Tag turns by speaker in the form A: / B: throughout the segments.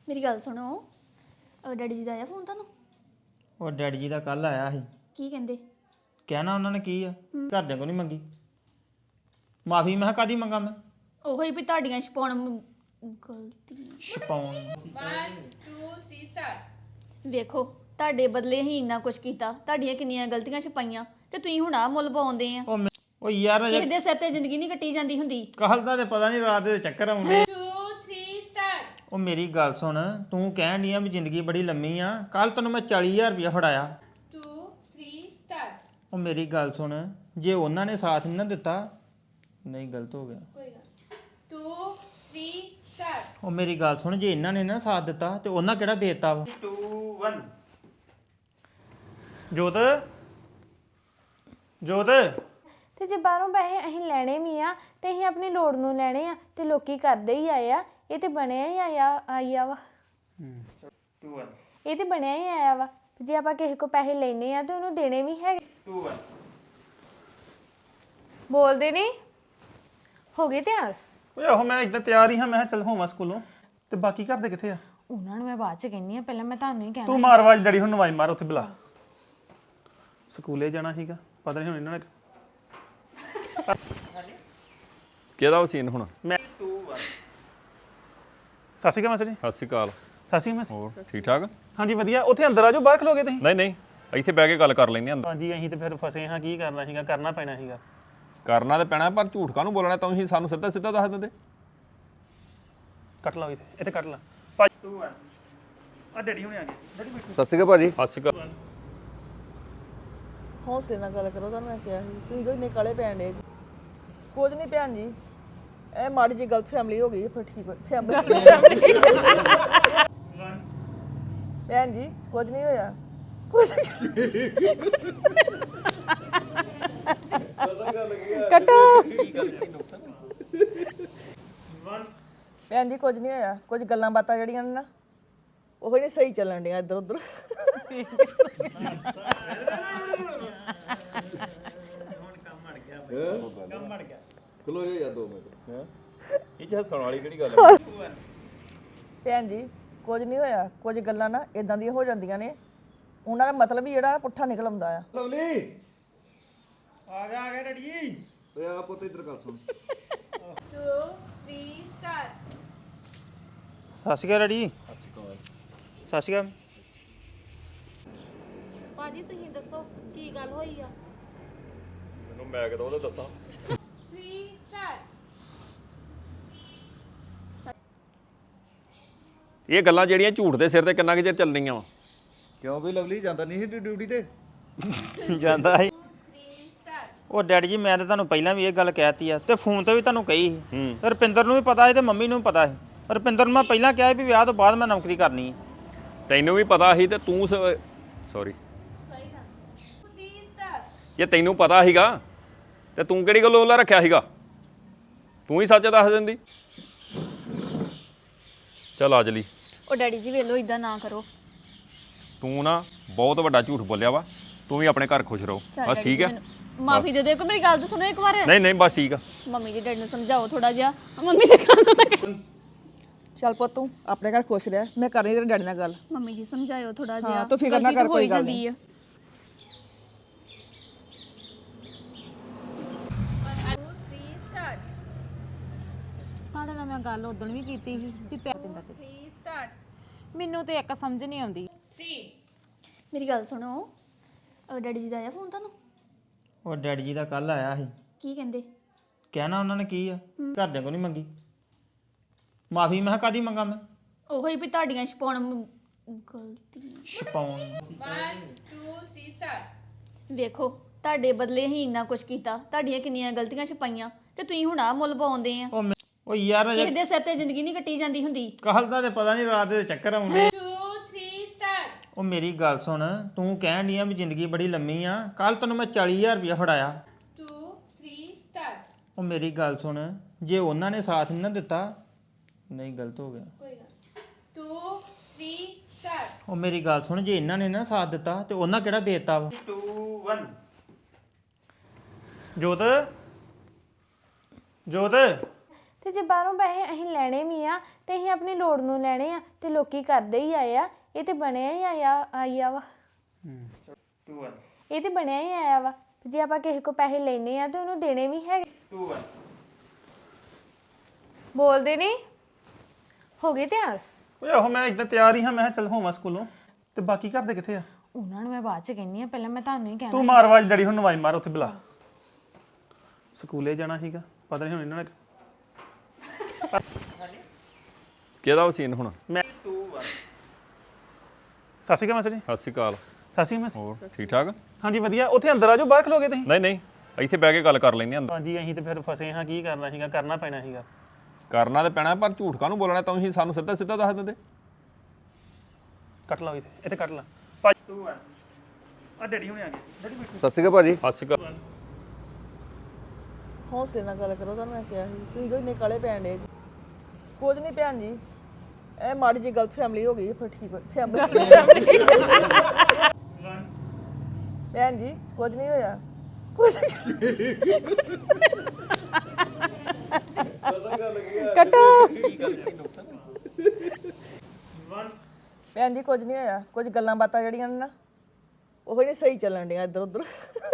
A: ਮੇਰੀ ਗੱਲ ਸੁਣੋ ਡੈਡੀ ਜੀ ਦਾ ਆਇਆ ਫੋਨ ਤੁਹਾਨੂੰ
B: ਉਹ ਡੈਡੀ ਜੀ ਦਾ ਕੱਲ ਆਇਆ ਸੀ
A: ਕੀ ਕਹਿੰਦੇ
B: ਕਹਿਣਾ ਉਹਨਾਂ ਨੇ ਕੀ ਆ ਘਰਦਿਆਂ ਕੋਲ ਨਹੀਂ ਮੰਗੀ ਮਾਫੀ ਮੈਂ ਕਾਦੀ ਮੰਗਾ ਮੈਂ
A: ਉਹੀ ਵੀ ਤੁਹਾਡੀਆਂ ਛਪਾਉਣ ਗਲਤੀ
B: ਛਪਾਉਣ
C: 1 2 3 ਸਟਾਰਟ
A: ਵੇਖੋ ਤੁਹਾਡੇ ਬਦਲੇ ਹੀ ਇੰਨਾ ਕੁਝ ਕੀਤਾ ਤੁਹਾਡੀਆਂ ਕਿੰਨੀਆਂ ਗਲਤੀਆਂ ਛਪਾਈਆਂ ਤੇ ਤੁਸੀਂ ਹੁਣ ਆ ਮੁੱਲ ਪਾਉਂਦੇ ਆ
B: ਉਹ ਯਾਰ
A: ਕਿਸੇ ਦੇ ਸਿਰ ਤੇ ਜ਼ਿੰਦਗੀ ਨਹੀਂ ਕੱਟੀ ਜਾਂਦੀ ਹੁੰਦੀ
B: ਕੱਲ ਦਾ ਤੇ ਪਤਾ ਨਹੀਂ ਰਾਤ ਦੇ ਚੱਕਰ ਆਉਂਦੇ
C: 2 3 ਸਟਾਰਟ
B: ਉਹ ਮੇਰੀ ਗੱਲ ਸੁਣ ਤੂੰ ਕਹਿਣ ਡਈ ਆ ਵੀ ਜ਼ਿੰਦਗੀ ਬੜੀ ਲੰਮੀ ਆ ਕੱਲ ਤੈਨੂੰ ਮੈਂ 40000 ਰੁਪਇਆ ਫੜਾਇਆ
C: 2 3 ਸਟਾਰਟ
B: ਉਹ ਮੇਰੀ ਗੱਲ ਸੁਣ ਜੇ ਉਹਨਾਂ ਨੇ ਸਾਥ ਨਹੀਂ ਨਾ ਦਿੱਤਾ ਨਹੀਂ ਗਲਤ ਹੋ ਗਿਆ
C: ਕੋਈ ਗੱਲ 2 3 ਸਟਾਰਟ
B: ਉਹ ਮੇਰੀ ਗੱਲ ਸੁਣ ਜੇ ਇਹਨਾਂ ਨੇ ਨਾ ਸਾਥ ਦਿੱਤਾ ਤੇ ਉਹਨਾਂ ਕਿਹੜਾ ਦੇਤਾ ਵਾ 2 1 ਜੋਤ ਜੋਤ
D: ਤੇ ਜੇ ਬਾਹਰੋਂ ਪੈਸੇ ਅਸੀਂ ਲੈਣੇ ਵੀ ਆ ਤੇ ਅਸੀਂ ਆਪਣੀ ਲੋੜ ਨੂੰ ਲੈਣੇ ਆ ਤੇ ਲੋਕੀ ਕਰਦੇ ਹੀ ਆਏ ਆ ਇਹ ਤੇ ਬਣਿਆ ਹੀ ਆਇਆ ਵਾ
B: 2 1
D: ਇਹ ਤੇ ਬਣਿਆ ਹੀ ਆਇਆ ਵਾ ਜੇ ਆਪਾਂ ਕਿਸੇ ਕੋ ਪੈਸੇ ਲੈਣੇ ਆ ਤੇ ਉਹਨੂੰ ਦੇਣੇ ਵੀ ਹੈਗੇ
B: 2 1
D: ਬੋਲਦੇ ਨਹੀਂ ਹੋ ਗਏ ਤਿਆਰ
E: ਓਏ ਆਹੋ ਮੈਂ ਇਦਾਂ ਤਿਆਰ ਹੀ ਹਾਂ ਮੈਂ ਕਿਹਾ ਚੱਲ ਹੋਵਾਂ ਸਕੂਲੋਂ ਤੇ ਬਾਕੀ ਘਰ ਦੇ ਕਿੱਥੇ ਆ
D: ਉਹਨਾਂ ਨੂੰ ਮੈਂ ਬਾਅਦ ਚ ਕਹਿੰਨੀ ਆ ਪਹਿਲਾਂ ਮੈਂ ਤੁਹਾਨੂੰ ਹੀ ਕਹਿਣਾ
E: ਤੂੰ ਮਾਰ ਆਵਾਜ਼ ਡੈਡੀ ਹੁਣ ਨਵਾਈ ਮਾਰ ਉੱਥੇ ਬੁਲਾ ਸਕੂਲੇ ਜਾਣਾ ਸੀਗਾ ਪਤਾ ਨਹੀਂ ਹੁਣ ਇਹਨਾਂ ਨੇ
F: ਕਿਹਦਾ ਸੀਨ ਹੁਣ
E: ਮੈਂ 2 1 ਸਤਿ ਸ਼੍ਰੀ ਅਕਾਲ ਮਾਸਟਰ ਜੀ
F: ਸਤਿ ਸ਼੍ਰੀ ਅਕਾਲ
E: ਸਤਿ ਸ਼੍ਰੀ ਅਕਾਲ
F: ਹੋਰ ਠੀਕ ਠਾਕ
E: ਹਾਂਜੀ ਵਧੀਆ ਉੱਥੇ ਅੰਦਰ ਆ ਜਾਓ ਬਾਹਰ ਖਲੋਗੇ ਤੁਸੀਂ
F: ਨਹੀਂ ਨਹੀਂ ਇੱਥੇ ਬਹਿ ਕੇ ਗੱਲ ਕਰ ਲੈਂਦੇ ਹਾਂ ਅੰਦਰ
E: ਹਾਂਜੀ ਅਸੀਂ ਤੇ ਫਿਰ ਫਸੇ ਹਾਂ ਕੀ ਕਰਨਾ ਸੀਗਾ ਕਰਨਾ ਪੈਣਾ ਸੀਗਾ
F: ਕਰਨਾ ਤੇ ਪੈਣਾ ਪਰ ਝੂਠ ਕਾਹਨੂੰ ਬੋਲਣਾ ਤੁਸੀਂ ਸਾਨੂੰ ਸਿੱਧਾ ਸਿੱਧਾ ਦੱਸ ਦਿੰਦੇ
E: ਕੱਟ ਲਓ ਇੱਥੇ ਕੱਟ ਲਾ ਭਾਜੀ 2 1 ਆ ਡੈਡੀ ਹੁਣੇ ਆ ਗਏ ਡੈਡੀ ਬੈਠੋ
G: ਸਤਿ ਸ਼੍ਰੀ ਅਕਾਲ ਭਾਜੀ
F: ਸਤਿ ਸ਼੍ਰੀ ਅਕਾਲ
H: ਹੌਸਲੇ ਨਾਲ ਗੱਲ ਕਰੋ ਤੁਹਾਨੂੰ ਮੈਂ ਕਿਹਾ ਸੀ ਤੁਸੀਂ ਕੋਈ ਨਿਕਾਲੇ ਪੈਣ ਦੇ ਕੁਝ ਨਹੀਂ ਭੈਣ ਜੀ ਇਹ ਮਾੜੀ ਜੀ ਗਲਤ ਫੈਮਿਲੀ ਹੋ ਗਈ ਹੈ, ਫਿਰ ਠੀਕ ਹੋ ਫੈਮਿਲੀ ਭੈਣ ਜੀ ਕੁਝ ਨਹੀਂ ਹੋਇਆ ਭੈਣ ਜੀ ਕੁਝ ਨਹੀਂ ਹੋਇਆ ਕੁਝ ਗੱਲਾਂ ਬਾਤਾਂ ਜਿਹੜੀਆਂ ਨੇ ਨਾ ਉਹ ਨਹੀਂ ਸਹੀ ਚੱਲਣ ਡੀਆਂ ਇੱਧਰ ਉੱਧਰ
G: ਖਲੋ ਜਾ 2 ਮਿੰਟ
F: ਇਹ ਚ ਹੱਸਣ ਵਾਲੀ ਕਿਹੜੀ ਗੱਲ
H: ਭੈਣ ਜੀ ਕੁਝ ਨਹੀਂ ਹੋਇਆ ਕੁਝ ਗੱਲਾਂ ਨਾ ਇਦਾਂ ਦੀਆਂ ਹੋ ਜਾਂਦੀਆਂ ਨੇ ਉਹਨਾਂ ਦਾ ਮਤਲਬ ਹੀ ਜਿਹੜਾ ਪੁੱਠਾ ਨਿਕਲ ਆਉਂਦਾ ਆ
G: ਲਵਲੀ
B: ਆ ਗਿਆ ਡੈਡੀ ਜੀ
G: ਓਏ ਆ ਪੁੱਤ ਇੱਧਰ ਗੱਲ ਸੁਣ
C: 2 3 ਸਟਾਰਟ
B: ਸਤਿ ਸ਼੍ਰੀ ਅਕਾਲ ਡੈਡੀ ਸਤਿ ਸ਼੍ਰੀ ਅਕਾਲ
C: ਭਾਜੀ ਤੁਸੀਂ ਦੱਸੋ ਕੀ ਗੱਲ ਹੋਈ ਆ
F: ਮੈਨੂੰ ਮੈਂ ਕਿਦੋਂ ਉਹਦਾ ਦੱਸਾਂ
C: 3 ਸਟਾਰਟ
F: ਇਹ ਗੱਲਾਂ ਜਿਹੜੀਆਂ ਝੂਠ ਦੇ ਸਿਰ ਤੇ ਕਿੰਨਾ ਕੁ ਚਿਰ ਚੱਲਣੀਆਂ ਵਾ
G: ਕਿਉਂ ਵੀ ਲਵਲੀ ਜਾਂਦਾ ਨਹੀਂ ਸੀ ਡਿਊਟੀ ਤੇ
B: ਜਾਂਦਾ ਸੀ
C: 3 ਸਟਾਰਟ
B: ਉਹ ਡੈਡੀ ਜੀ ਮੈਂ ਤਾਂ ਤੁਹਾਨੂੰ ਪਹਿਲਾਂ ਵੀ ਇਹ ਗੱਲ ਕਹਿਤੀ ਆ ਤੇ ਫੋਨ ਤੇ ਵੀ ਤੁਹਾਨੂੰ ਕਹੀ ਸੀ ਰੁਪਿੰਦਰ ਨੂੰ ਵੀ ਪਤਾ ਸੀ ਤੇ ਮੰਮੀ ਨੂੰ ਵੀ ਪਤਾ ਸੀ ਰੁਪਿੰਦਰ ਨੂੰ ਮੈਂ ਪਹਿਲਾਂ ਕਿਹਾ ਸੀ ਵੀ ਵਿਆਹ ਤੋਂ ਬਾਅਦ ਮੈਂ ਨੌਕਰੀ ਕਰਨੀ ਹੈ
F: ਤੈਨੂੰ ਵੀ ਪਤਾ ਸੀ ਤੇ ਤੂੰ ਸੌਰੀ
C: 3 ਸਟਾਰਟ
F: ਜੇ ਤੈਨੂੰ ਪਤਾ ਸੀਗਾ ਤੇ ਤੂੰ ਕਿਹੜੀ ਗੱਲੋਂ ਉਹਲਾ ਰੱਖਿਆ ਸੀਗਾ ਤੂੰ ਹੀ ਸੱਚ ਦੱਸ ਦਿੰਦੀ ਚੱਲ ਆ ਜਲੀ
A: ਉਹ ਡੈਡੀ ਜੀ ਵੇਲੋ ਇਦਾਂ ਨਾ ਕਰੋ
F: ਤੂੰ ਨਾ ਬਹੁਤ ਵੱਡਾ ਝੂਠ ਬੋਲਿਆ ਵਾ ਤੂੰ ਵੀ ਆਪਣੇ ਘਰ ਖੁਸ਼ ਰਹੋ ਬਸ ਠੀਕ ਹੈ
A: ਮਾਫੀ ਦੇ ਦਿਓ ਇੱਕ ਮੇਰੀ ਗੱਲ ਤਾਂ ਸੁਣੋ ਇੱਕ ਵਾਰ
F: ਨਹੀਂ ਨਹੀਂ ਬਸ ਠੀਕ ਆ
A: ਮੰਮੀ ਜੀ ਡੈਡੀ ਨੂੰ ਸਮਝਾਓ ਥੋੜਾ ਜਿਹਾ ਮੰਮੀ ਦੇ ਕੰਨ ਤੱਕ
H: ਚੱਲ ਪੁੱਤ ਤੂੰ ਆਪਣੇ ਘਰ ਖੁਸ਼ ਰਹਿ ਮੈਂ ਕਰਨੀ ਤੇਰੇ ਡੈਡੀ ਨਾਲ ਗੱਲ
A: ਮੰਮੀ ਜੀ ਸਮਝਾਇਓ ਥੋੜਾ ਜਿਹਾ
H: ਹਾਂ, ਤੂੰ ਫਿਕਰ ਨਾ
A: ਗਲਤੀ ਤਾਂ
H: ਕਰ,
A: ਹੋ ਹੀ
H: ਕੋਈ ਗੱਲ
A: ਜਾਂਦੀ ਆ।
C: 2 3 ਸਟਾਰਟ
D: ਤੁਹਾਡੇ ਨਾਲ ਮੈਂ ਗੱਲ ਉਦੋਂ ਵੀ ਕੀਤੀ ਸੀ ਵੀ ਪਿਆ ਦਿੰਦਾ ਤੇ
C: 3 ਸਟਾਰਟ
D: ਮੈਨੂੰ ਤੇ ਇੱਕ ਸਮਝ ਨਹੀਂ ਆਉਂਦੀ
C: 3
A: ਮੇਰੀ ਗੱਲ ਸੁਣੋ ਡੈਡੀ ਜੀ ਦਾ ਆਇਆ ਫੋਨ ਤੁਹਾਨੂੰ
B: ਉਹ ਡੈਡੀ ਜੀ ਦਾ ਕੱਲ ਆਇਆ ਸੀ
A: ਕੀ ਕਹਿੰਦੇ
B: ਕਹਿਣਾ ਉਹਨਾਂ ਨੇ ਕੀ ਆ ਘਰਦਿਆਂ ਕੋਲ ਨਹੀਂ ਮੰਗੀ ਮਾਫੀ ਮੈਂ ਕਾਦੀ ਮੰਗਾ ਮੈਂ
A: ਉਹੀ ਵੀ ਤੁਹਾਡੀਆਂ ਛਪਾਉਣ ਗਲਤੀ
B: ਛਪਾਉਣ
C: 1 2 3 ਸਟਾਰਟ
A: ਵੇਖੋ ਤੁਹਾਡੇ ਬਦਲੇ ਹੀ ਇੰਨਾ ਕੁਝ ਕੀਤਾ ਤੁਹਾਡੀਆਂ ਕਿੰਨੀਆਂ ਗਲਤੀਆਂ ਛਪਾਈਆਂ ਤੇ ਤੁਸੀਂ ਹੁਣ ਆ ਮੁੱਲ ਪਾਉਂਦੇ ਆ
B: ਉਹ ਯਾਰ
A: ਕਿਸੇ ਦੇ ਸਿਰ ਤੇ ਜ਼ਿੰਦਗੀ ਨਹੀਂ ਕੱਟੀ ਜਾਂਦੀ ਹੁੰਦੀ
B: ਕੱਲ ਦਾ ਤੇ ਪਤਾ ਨਹੀਂ ਰਾਤ ਦੇ ਚੱਕਰ ਆਉਂਦੇ
C: 2 3 ਸਟਾਰਟ
B: ਉਹ ਮੇਰੀ ਗੱਲ ਸੁਣ ਤੂੰ ਕਹਿਣ ਡਈ ਆ ਵੀ ਜ਼ਿੰਦਗੀ ਬੜੀ ਲੰਮੀ ਆ ਕੱਲ ਤੈਨੂੰ ਮੈਂ 40000 ਰੁਪਇਆ ਫੜਾਇਆ
C: 2 3 ਸਟਾਰਟ
B: ਉਹ ਮੇਰੀ ਗੱਲ ਸੁਣ ਜੇ ਉਹਨਾਂ ਨੇ ਸਾਥ ਨਹੀਂ ਨਾ ਦਿੱਤਾ ਨਹੀਂ ਗਲਤ ਹੋ ਗਿਆ
C: ਕੋਈ ਗੱਲ 2 3 ਸਟਾਰਟ
B: ਉਹ ਮੇਰੀ ਗੱਲ ਸੁਣ ਜੇ ਇਹਨਾਂ ਨੇ ਨਾ ਸਾਥ ਦਿੱਤਾ ਤੇ ਉਹਨਾਂ ਕਿਹੜਾ ਦੇਤਾ ਵਾ 2 1
E: ਜੋਤ ਜੋਤ
D: ਤੇ ਜੇ ਬਾਹਰੋਂ ਪੈਸੇ ਅਸੀਂ ਲੈਣੇ ਵੀ ਆ ਤੇ ਅਸੀਂ ਆਪਣੀ ਲੋੜ ਨੂੰ ਲੈਣੇ ਆ ਤੇ ਲੋਕੀ ਕਰਦੇ ਹੀ ਆਏ ਆ। ਇਹ ਤੇ ਬਣਿਆ ਹੀ ਆਇਆ ਵਾ ਇਹ ਤੇ ਬਣਿਆ ਹੀ ਆਇਆ ਵਾ। ਜੇ ਆਪਾਂ ਕਿਸੇ ਕੋ ਪੈਸੇ ਲੈਣੇ ਆ ਤੇ ਉਹਨੂੰ ਦੇਣੇ ਵੀ ਹੈਗੇ। ਬੋਲਦੇ ਨਹੀਂ ਹੋ ਗਏ ਤਿਆਰ?
E: ਓਏ ਆਹੋ ਮੈਂ ਇੱਦਾਂ ਤਿਆਰ ਹੀ ਹਾਂ, ਮੈਂ ਕਿਹਾ ਚੱਲ ਹੋਵਾਂ ਸਕੂਲੋਂ। ਤੇ ਬਾਕੀ ਘਰ ਦੇ ਕਿੱਥੇ ਆ?
D: ਉਹਨਾਂ ਨੂੰ ਮੈਂ ਬਾਅਦ ਚ ਕਹਿੰਨੀ ਆ, ਪਹਿਲਾਂ ਮੈਂ ਤੁਹਾਨੂੰ ਹੀ ਕਹਿਣਾ।
E: ਤੂੰ ਮਾਰ ਆਵਾਜ਼, ਡੈਡੀ ਹੁਣ ਆਵਾਜ਼ ਮਾਰ ਉੱਥੇ ਬੁਲਾ। ਸਕੂਲੇ ਜਾਣਾ ਸੀਗਾ, ਪਤਾ ਨਹੀਂ ਹੁਣ ਇਹਨਾਂ ਨੇ
F: ਕਿਹਦਾ ਵਸੀਨ ਹੁਣ?
E: ਮੈਂ ਸਤਿ ਸ਼੍ਰੀ ਅਕਾਲ ਮਾਸਟਰ ਜੀ।
F: ਸਤਿ ਸ਼੍ਰੀ ਅਕਾਲ।
E: ਸਤਿ ਸ਼੍ਰੀ ਅਕਾਲ।
F: ਹੋਰ ਠੀਕ ਠਾਕ?
E: ਹਾਂਜੀ ਵਧੀਆ। ਉੱਥੇ ਅੰਦਰ ਆ ਜਾਓ, ਬਾਹਰ ਖਲੋਗੇ ਤੁਸੀਂ?
F: ਨਹੀਂ ਨਹੀਂ, ਇੱਥੇ ਬਹਿ ਕੇ ਗੱਲ ਕਰ ਲੈਂਦੇ ਅੰਦਰ।
E: ਹਾਂਜੀ ਅਸੀਂ ਤੇ ਫਿਰ ਫਸੇ ਹਾਂ, ਕੀ ਕਰਨਾ ਸੀਗਾ, ਕਰਨਾ ਪੈਣਾ ਸੀਗਾ।
F: ਕਰਨਾ ਤੇ ਪੈਣਾ, ਪਰ ਝੂਠ ਕਾਹਨੂੰ ਬੋਲਣਾ? ਤੁਸੀਂ ਸਾਨੂੰ ਸਿੱਧਾ ਸਿੱਧਾ ਦੱਸ ਦਿੰਦੇ।
E: ਕੱਟ ਲਾ ਇੱਥੇ ਕੱਟ ਲਾ ਭਾਜੀ। ਤੂੰ ਆ ਡੈਡੀ ਹੁਣੇ ਆ ਗਏ। ਡੈਡੀ ਬੈਠੋ।
G: ਸਤਿ ਸ਼੍ਰੀ ਅਕਾਲ ਭਾਜੀ।
F: ਸਤਿ ਸ਼੍ਰੀ ਅਕਾਲ।
H: ਹੌਸਲੇ ਨਾਲ ਗੱਲ ਕਰੋ, ਤੁਹਾਨੂੰ ਮੈਂ ਕਿਹਾ ਸੀ ਤੁਸੀਂ ਕੋਈ ਇੰਨੇ ਕਾਲੇ ਪੈਣ ਡੇ ਜੀ। ਕੁਝ ਨਹੀਂ ਭੈਣ ਜੀ, ਇਹ ਮਾੜੀ ਜੀ ਗਲਤ ਫੈਮਿਲੀ ਹੋ ਗਈ ਹੈ, ਫਿਰ ਠੀਕ ਹੋ ਫੈਮਿਲੀ। ਭੈਣ ਜੀ ਕੁਝ ਨਹੀਂ ਹੋਇਆ। ਭੈਣ ਜੀ ਕੁਝ ਨਹੀਂ ਹੋਇਆ, ਕੁਝ ਗੱਲਾਂ ਬਾਤਾਂ ਜਿਹੜੀਆਂ ਨੇ ਨਾ ਉਹ ਹੀ ਨਹੀਂ ਸਹੀ ਚੱਲਣ ਡੀਆਂ ਇੱਧਰ ਉੱਧਰ।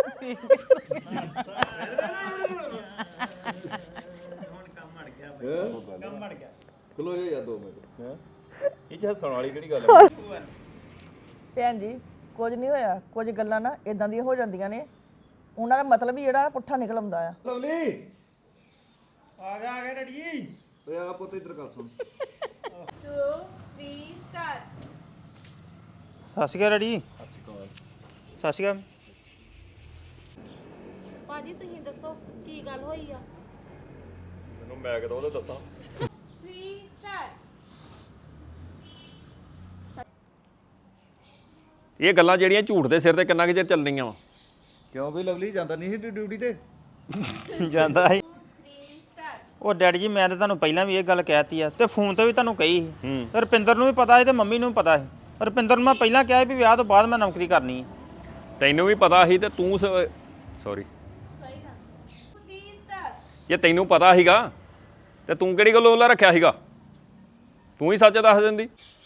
G: ਖਲੋ ਜਾ ਯਾਰ 2 ਮਿੰਟ। ਹੈ
F: ਇਹ ਚ ਹੱਸਣ ਵਾਲੀ ਕਿਹੜੀ ਗੱਲ ਹੈ?
H: ਭੈਣ ਜੀ ਕੁਝ ਨਹੀਂ ਹੋਇਆ, ਕੁਝ ਗੱਲਾਂ ਨਾ ਇਦਾਂ ਦੀਆਂ ਹੋ ਜਾਂਦੀਆਂ ਨੇ, ਉਹਨਾਂ ਦਾ ਮਤਲਬ ਹੀ ਜਿਹੜਾ ਪੁੱਠਾ ਨਿਕਲ ਆਉਂਦਾ ਆ।
G: ਲਵਲੀ
B: ਆ ਗਿਆ ਡੈਡੀ ਜੀ।
G: ਓਏ ਆ ਪੁੱਤ ਇੱਧਰ ਗੱਲ ਸੁਣ।
C: 2 3 start
B: ਸਤਿ ਸ਼੍ਰੀ ਅਕਾਲ ਡੈਡੀ। ਸਤਿ ਸ਼੍ਰੀ ਅਕਾਲ।
C: ਭਾਜੀ ਤੁਸੀਂ ਦੱਸੋ ਕੀ ਗੱਲ ਹੋਈ ਆ?
F: ਮੈਨੂੰ ਮੈਂ ਕਿਦੋਂ ਉਹਦਾ ਦੱਸਾਂ।
C: 3 start
F: ਇਹ ਗੱਲਾਂ ਜਿਹੜੀਆਂ ਝੂਠ ਦੇ ਸਿਰ ਤੇ ਕਿੰਨਾ ਕੁ ਚਿਰ ਚੱਲਣੀਆਂ ਵਾ?
G: ਕਿਉਂ ਵੀ ਲਵਲੀ ਜਾਂਦਾ ਨਹੀਂ ਸੀ ਡਿਊਟੀ ਤੇ?
B: ਜਾਂਦਾ ਸੀ।
C: 3 start
B: ਉਹ ਡੈਡੀ ਜੀ ਮੈਂ ਤਾਂ ਤੁਹਾਨੂੰ ਪਹਿਲਾਂ ਵੀ ਇਹ ਗੱਲ ਕਹਿਤੀ ਆ ਤੇ ਫੋਨ ਤੇ ਵੀ ਤੁਹਾਨੂੰ ਕਹੀ ਸੀ। ਰੁਪਿੰਦਰ ਨੂੰ ਵੀ ਪਤਾ ਸੀ ਤੇ ਮੰਮੀ ਨੂੰ ਵੀ ਪਤਾ ਸੀ। ਰੁਪਿੰਦਰ ਨੂੰ ਮੈਂ ਪਹਿਲਾਂ ਕਿਹਾ ਸੀ ਵੀ ਵਿਆਹ ਤੋਂ ਬਾਅਦ ਮੈਂ ਨੌਕਰੀ ਕਰਨੀ ਹੈ।
F: ਤੈਨੂੰ ਵੀ ਪਤਾ ਸੀ ਤੇ ਤੂੰ ਸੌਰੀ,
C: ਸਹੀ ਨਾ 3 start
F: ਜੇ ਤੈਨੂੰ ਪਤਾ ਸੀਗਾ ਤੇ ਤੂੰ ਕਿਹੜੀ ਗੱਲ ਉਹਲਾ ਰੱਖਿਆ ਸੀਗਾ? ਤੂੰ ਹੀ ਸੱਚ ਦੱਸ ਦਿੰਦੀ।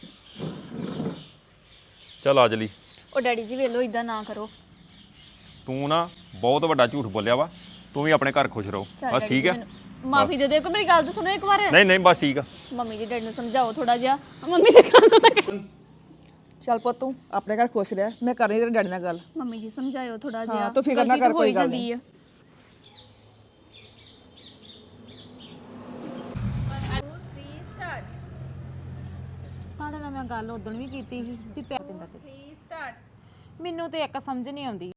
F: ਚੱਲ ਆ ਜਲੀ।
A: ਉਹ ਡੈਡੀ ਜੀ ਵੇਲੋ ਇਦਾਂ ਨਾ ਕਰੋ।
F: ਤੂੰ ਨਾ ਬਹੁਤ ਵੱਡਾ ਝੂਠ ਬੋਲਿਆ ਵਾ। ਤੂੰ ਵੀ ਆਪਣੇ ਘਰ ਖੁਸ਼ ਰਹੋ, ਬਸ ਠੀਕ ਹੈ।
A: ਮਾਫੀ ਦੇ ਦਿਓ, ਇੱਕ ਮੇਰੀ ਗੱਲ ਤਾਂ ਸੁਣੋ ਇੱਕ ਵਾਰ।
F: ਨਹੀਂ ਨਹੀਂ ਬਸ ਠੀਕ ਆ।
A: ਮੰਮੀ ਜੀ ਡੈਡੀ ਨੂੰ ਸਮਝਾਓ ਥੋੜਾ ਜਿਹਾ। ਮੰਮੀ ਦੇ ਕੰਨ
H: ਚੱਲ ਪੁੱਤ ਤੂੰ ਆਪਣੇ ਘਰ ਖੁਸ਼ ਰਹਿ, ਮੈਂ ਕਰਨੀ ਤੇਰੇ ਡੈਡੀ ਨਾਲ ਗੱਲ।
A: ਮੰਮੀ ਜੀ ਸਮਝਾਇਓ ਥੋੜਾ ਜਿਹਾ।
H: ਹਾਂ, ਤੂੰ ਫਿਕਰ ਨਾ
A: ਗਲਤੀ ਤਾਂ
H: ਕਰ,
A: ਹੋ
H: ਕੋਈ
A: ਹੀ
H: ਗੱਲ
A: ਜਾਂਦੀ
H: ਨਹੀਂ।
A: ਆ।
C: 2 3 start
I: ਤੁਹਾਡੇ ਨਾਲ ਮੈਂ ਗੱਲ ਉਦੋਂ ਵੀ ਕੀਤੀ ਸੀ ਵੀ
C: 3 start
I: ਮੈਨੂੰ ਤੇ ਇੱਕ ਸਮਝ ਨਹੀਂ ਆਉਂਦੀ।